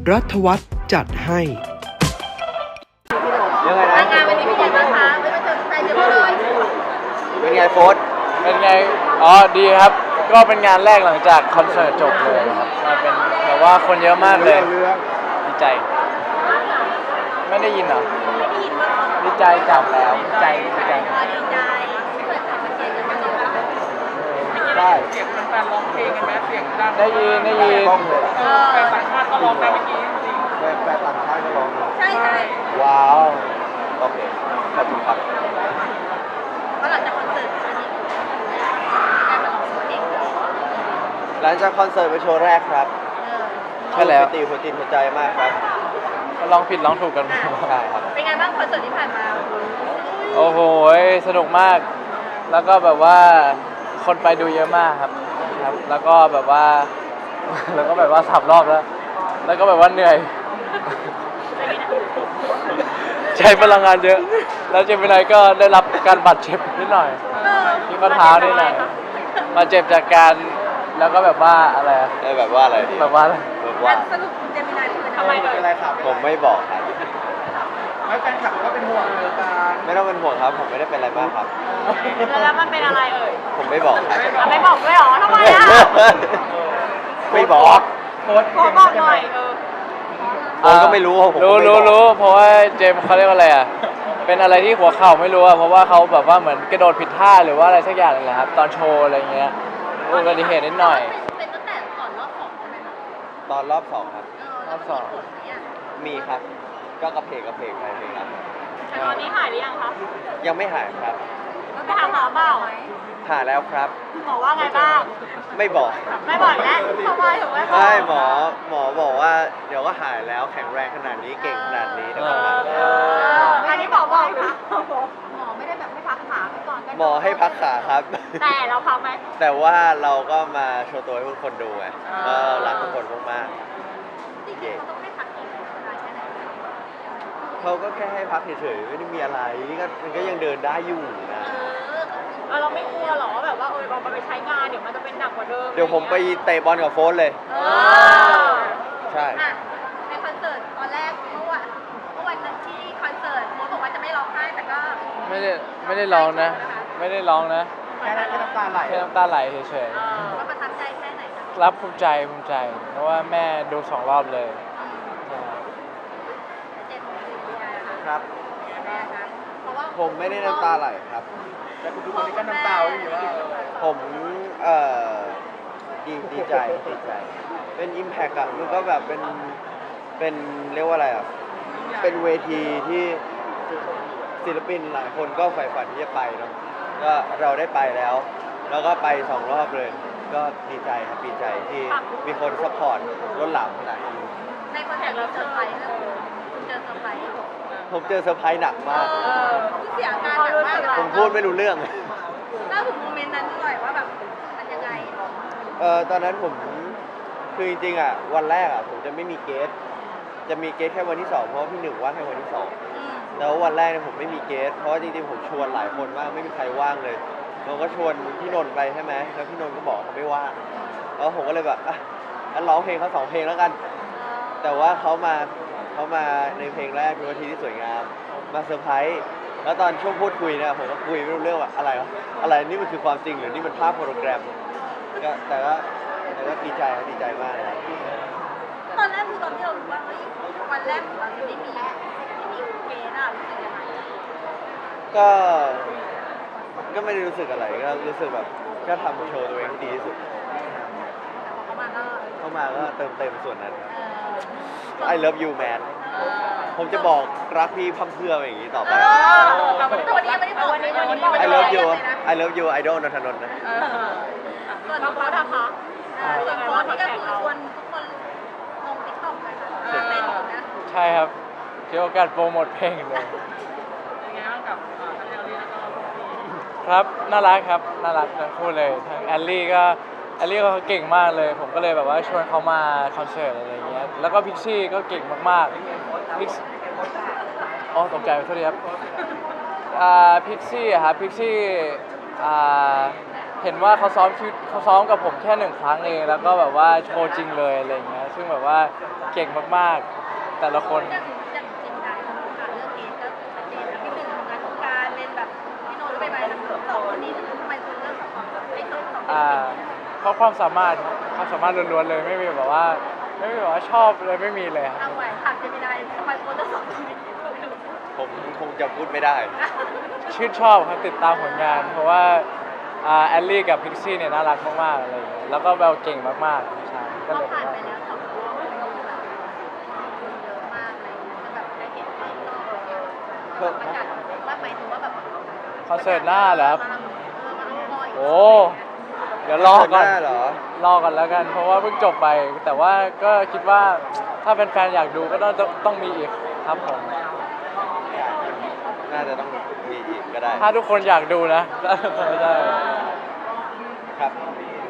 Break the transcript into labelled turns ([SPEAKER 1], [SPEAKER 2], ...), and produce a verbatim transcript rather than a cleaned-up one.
[SPEAKER 1] รัฐวัฒน์จัดให้
[SPEAKER 2] ยังไงนะ
[SPEAKER 3] งานวันนี้เป็นยังไงบ้างคะไม่มาเจอแฟนเยอะเลย
[SPEAKER 2] เป็นไงโฟส
[SPEAKER 4] เป็นไง อ๋อ ดีครับ ก็เป็นงานแรกหลังจากคอนเสิร์ตจบเลยครับก็เป็นแบบว่าคนเยอะมากเลย ดีใจ ไม่ได้ยินเหรอ
[SPEAKER 3] ไม่ได้ยินว่า
[SPEAKER 4] ดีใจจับแล้วดีใจดีใจ
[SPEAKER 3] เออดีใจเปิดจากประเทศกันมาเลย
[SPEAKER 2] ได้
[SPEAKER 5] เสียงแฟนๆร้องเพลงกันไหมเสียงดัง
[SPEAKER 4] ได้ยินได้ยิน
[SPEAKER 2] กล้องเลย
[SPEAKER 5] เออแฟนต่างชาติก็ร้องนะเมื่อกี้จริง
[SPEAKER 2] แฟนแฟนต่างชาติก็ร้องเลย
[SPEAKER 3] ใช่ใช่
[SPEAKER 2] ว้าวโอเคขอบคุณครับ
[SPEAKER 3] เพราะหลังจากคอนเสิร์ตอันนี้การมาลองเพลงเออ
[SPEAKER 2] หลังจากคอนเสิร์ตเป็นโชว์แรกครับ
[SPEAKER 4] ใช่แล้ว
[SPEAKER 2] ตีหัวจิตหัวใจมากครับ
[SPEAKER 4] ลองผิดลองถูกกัน
[SPEAKER 2] ใช่ครับ
[SPEAKER 3] เป็นไงบ้างคอนเสิร์ตที่ผ่านมา
[SPEAKER 4] โอ้โห สนุกมาก แล้วก็แบบว่าคนไปดูเยอะมากครับครับ แล้วก็แบบว่า แล้วก็แบบว่าสามรอบแล้ว แล้วก็แบบว่าเหนื่อย ใช้พลังงานเยอะ แล้วเจมินายก็ได้รับการบาดเจ็บนิดหน่อย ที่ข้อเท้านิดหน่อยบาดเจ็บจากการแล้วก็แบบว่าอะไรอะ
[SPEAKER 2] ได้แบบว่าอะไรดี
[SPEAKER 4] แบบว่าอะไร
[SPEAKER 2] แบบว่า
[SPEAKER 3] สรุปเจมินายคือทำไมเลย
[SPEAKER 2] ผมไม่บอกครับ
[SPEAKER 5] ไม่แฟนคลับก็เป็นห่วงเลยการ
[SPEAKER 2] ไม่ต้องเป็นห่วงครับ ผมไม่ได้เป็นอะไรมากครับ
[SPEAKER 3] แล้วมันเป็นอะไรเอ่ย
[SPEAKER 2] ผมไม่บอกครับ
[SPEAKER 3] ไม่บอกด้วยหรอทำไมอ่ะ
[SPEAKER 2] ไม่บอก
[SPEAKER 5] โพสต์
[SPEAKER 3] ขอบอกหน่อยเออ
[SPEAKER 2] ผมก็ไม่รู้ผมก็
[SPEAKER 4] รู้
[SPEAKER 2] ไม่
[SPEAKER 4] รู้
[SPEAKER 2] บอก
[SPEAKER 4] รู้เพราะว่าเจมส์เขาเรียกว่าอะไรอ่ะ เป็นอะไรที่หัวเข่าไม่รู้อ่ะ เพราะว่าเขาแบบว่าเหมือนกระโดดผิดท่าหรือว่าอะไรสักอย่างนึงแหละครับ ตอนโชว์อะไรเงี้ยอุบัติเหตุนิดหน่อย
[SPEAKER 3] เป็นตั้งแต่ก่อนรอบสองใช่ไหมคะ
[SPEAKER 2] ตอนรอบสองครับ
[SPEAKER 3] เออแล้วมีผลไหมอ่ะ
[SPEAKER 2] มีครับ ก็กระเพกกระเพกไปเพลงละ
[SPEAKER 3] แต่ตอนนี้หายหรือยังคะ
[SPEAKER 2] ยังไม่หายครับ
[SPEAKER 3] ไปหาหมอเปล่า
[SPEAKER 2] หายแล้วครับ
[SPEAKER 3] หมอว่าไงบ้าง
[SPEAKER 2] ไม่บอก
[SPEAKER 3] ไม่บอกแล้วทำไมถึงไม่บอก
[SPEAKER 2] ใช่หมอหมอบอกว่าเดี๋ยวก็หายแล้วแข็งแรงขนาดนี้เก่งขนาดนี้เดี๋ยวก็หาย
[SPEAKER 3] เอออันนี้หมอบอกนะหมอไม่ได้แบบให้พักขาไปก่อน
[SPEAKER 2] หมอให้พักขาครับ
[SPEAKER 3] แต่เราพักไหม
[SPEAKER 2] แต่ว่าเราก็มาโชว์ตัวให้ทุกคนดูไงก็รักทุกคนมาก
[SPEAKER 3] จริงๆเขาต้องให้พักอีกนานแค่ไหน
[SPEAKER 2] ๆเขาก็แค่ให้พักเฉยๆไม่ได้มีอะไรก็มันก็ยังเดินได้อยู่นะ
[SPEAKER 3] เออเราไม่กลัวหรอแบบว่าเออเราไปใช้งานเดี๋ยวมันจะเป็นหนักกว่าเดิม
[SPEAKER 2] เดี๋ยวผมไปเตะบอลกับโฟนเลย
[SPEAKER 3] เออ
[SPEAKER 2] ใช่
[SPEAKER 3] อ่ะในคอนเสิร์ตตอนแรกเมื่อวันเมื่อวันนั้นที่คอนเสิร์ตโมบอกว่าจะไม่ร้องไห้แต่ก็
[SPEAKER 4] ไม่ได้ไม่ได้ร้องนะ ไม่ได้ร้องนะ
[SPEAKER 5] แค่นั้นก็น้ำตาไหล
[SPEAKER 4] แค่น้ำตาไหลเฉย
[SPEAKER 3] เออว่าประทับใจแค่ไหนคะ
[SPEAKER 4] ๆ รับภูมิใจภูมิใจ เพราะว่าแม่ดูสองรอบเลย
[SPEAKER 3] เจ็ดโมงสี่นาทีนะคะ
[SPEAKER 2] ครับ
[SPEAKER 3] แม่คะเพราะว่า
[SPEAKER 2] ผมไม่ได้น้ำตาไหลครับ
[SPEAKER 5] แต่คุณทุกคนนี่ก็น้ำตาอยู่ว่า
[SPEAKER 2] ผมเอ่อดีดีใจดีใจ เป็นอิมแพกอะมันก็แบบเป็นเป็นเรียกว่าอะไรอะเป็นเวทีที่ศิลปินหลายคนก็ใฝ่ฝันที่จะไปเนาะก็เราได้ไปแล้ว แล้วก็ไปสองรอบเลย ก็ดีใจครับดีใจที่มีคนซัพพอร์ตล้นหลามขนาดนี้
[SPEAKER 3] ในคอนเสิร์ตเราเซอร์ไพรส์นะคุณเจอเซอร์ไพรส์
[SPEAKER 2] ผมเจอเซอร์ไพรส์หนักมาก
[SPEAKER 3] เออคุณเสียอาการหนักมากเลย
[SPEAKER 2] ผมพูดไม่รู้เรื่อง
[SPEAKER 3] เล่าถึงโมเมนต์นั้นหน่อยว่าแบบมันยังไง
[SPEAKER 2] เออตอนนั้นผมคือจริงๆอ่ะวันแรกอ่ะผมจะไม่มีเกสจะมีเกสแค่วันที่สองเพราะว่าพี่หนึ่งว่างแค่วันที่สอง
[SPEAKER 3] อืม
[SPEAKER 2] แล้ววันแรกเนี่ยผมไม่มีเกสเพราะว่าจริงๆผมชวนหลายคนมากไม่มีใครว่างเลยเราก็ชวนพี่นนท์ไปใช่ไหมแล้วพี่นนท์ก็บอกเขาไม่ว่างแล้วผมก็เลยแบบอ่ะงั้นร้องเพลงเขาสองเพลงแล้วกัน แต่ว่าเขามาเขามาในเพลงแรกคือวันที่ที่สวยงามมาเซอร์ไพรส์แล้วตอนช่วงพูดคุยเนี่ยผมก็คุยไม่รู้เรื่องว่าอะไรวะอะไรนี่มันคือความจริงหรือนี่มันภาพโปรแกรมก็แต่ก็แต่ก็ดีใจครับดีใจมากนะครับ
[SPEAKER 3] ตอนแรกคือตอนที่เรารู้ว่าเฮ้ยวันแรกของเราจะไม่มีไม่มีเกณฑ์อะรู้สึกยังไงอะ
[SPEAKER 2] ก็ก็ไม่ได้รู้สึกอะไรก็รู้สึกแบบก็ทำโชว์ตัวเองให้ดีที่สุด
[SPEAKER 3] แต่พอเขามาก็
[SPEAKER 2] เข้ามาก็เติมเต็มส่วนนั้นครับ
[SPEAKER 3] เออ
[SPEAKER 2] I love you man
[SPEAKER 3] เออ
[SPEAKER 2] ผมจะบอกรักพี่พั่มเพรื่ออย่างนี้ต่อไป
[SPEAKER 3] เออแต่วันนี้ไม่ได้บอกวันนี้วันนี้บอก
[SPEAKER 2] I love you I love you I don't นนทนนท์นะ
[SPEAKER 3] เออส่วนโค้ดอะคะส่วนโค้ดนี่ก็คือชวนทุกคนลงติ๊กต็อกเลยค่ะเต้นอยู่นะ
[SPEAKER 4] ใช่ครับเกี่ยวกับการโปรโมทเพลงเลย
[SPEAKER 5] เป็นไงบ้างกับทั้งแอลลี่แล้วก็
[SPEAKER 4] ครับ น่ารักครับ น่ารักทั้งคู่เลย ทั้งแอลลี่ก็แอลลี่ก็เก่งมากเลย ผมก็เลยแบบว่าชวนเขามาคอนเสิร์ตอะไรอย่างเงี้ย แล้วก็พิกซี่ก็เก่งมากๆพิกอ๋อตกใจขอโทษทีครับอ่าพิกซี่อะครับพิกซี่อ่าเห็นว่าเขาซ้อมชุดเขาซ้อมกับผมแค่หนึ่งครั้งเองแล้วก็แบบว่าโชว์จริงเลยอะไรอย่างเงี้ยซึ่งแบบว่าเก่งมากๆแต่ละคน
[SPEAKER 3] อย่างอย่างจริงใจของค่ะเรื่องนี้ก็ชัดเจนนะพี่หนึ่งทำงานของการเป็นแบบพี่โน้ตไปไปทั้งสองคนนี้ทำไมคุณเลือกสองคนไอ้สองสอง
[SPEAKER 4] อ่าเพราะความสามารถความสามารถล้วนๆเลยไม่มีแบบว่าไม่มีแบบว่าชอบเลยไม่มีเลยครับ
[SPEAKER 3] เอาไว้ถามเจมินายทำไมคุณเลือกสองคนนี้
[SPEAKER 2] ผมคงจะพูดไม่ได้
[SPEAKER 4] ชื่นชอบครับติดตามผลงาน เพราะว่าอ่าแอลลี่กับพิกซี่เนี่ยน่ารักมากๆอะไรอย่างเงี้ยแล้วก็แววเก่งมากๆใช่ก็
[SPEAKER 3] ก็
[SPEAKER 4] เลย
[SPEAKER 3] ผ่านไป
[SPEAKER 4] ว่า
[SPEAKER 3] แล้วสองรอบมันก็คือแบบเยอะมากอะไรเงี้ยจะแบบได้เห็นเพิ่มรอบอะไรเงี้ยประกาศว่าหมายถึงว่าแบบ
[SPEAKER 4] คอนเสิร์ตหน้าเหรอครับ
[SPEAKER 3] เออมันต้องรออีก
[SPEAKER 4] โอ้เดี๋ยวรอก่อน
[SPEAKER 2] คอนเสิร์ตหน้าเหรอ
[SPEAKER 4] รอก่อนแล้วกัน เพราะว่าเพิ่งจบไป แต่ว่าก็คิดว่าถ้าเป็นแฟนๆอยากดูก็ต้องต้องมีอีกครับผม
[SPEAKER 2] น่าจะต้องมีอีกก็ได้
[SPEAKER 4] ถ้าทุกคนอยากดูนะ ก็ได้
[SPEAKER 2] ครับ
[SPEAKER 3] อ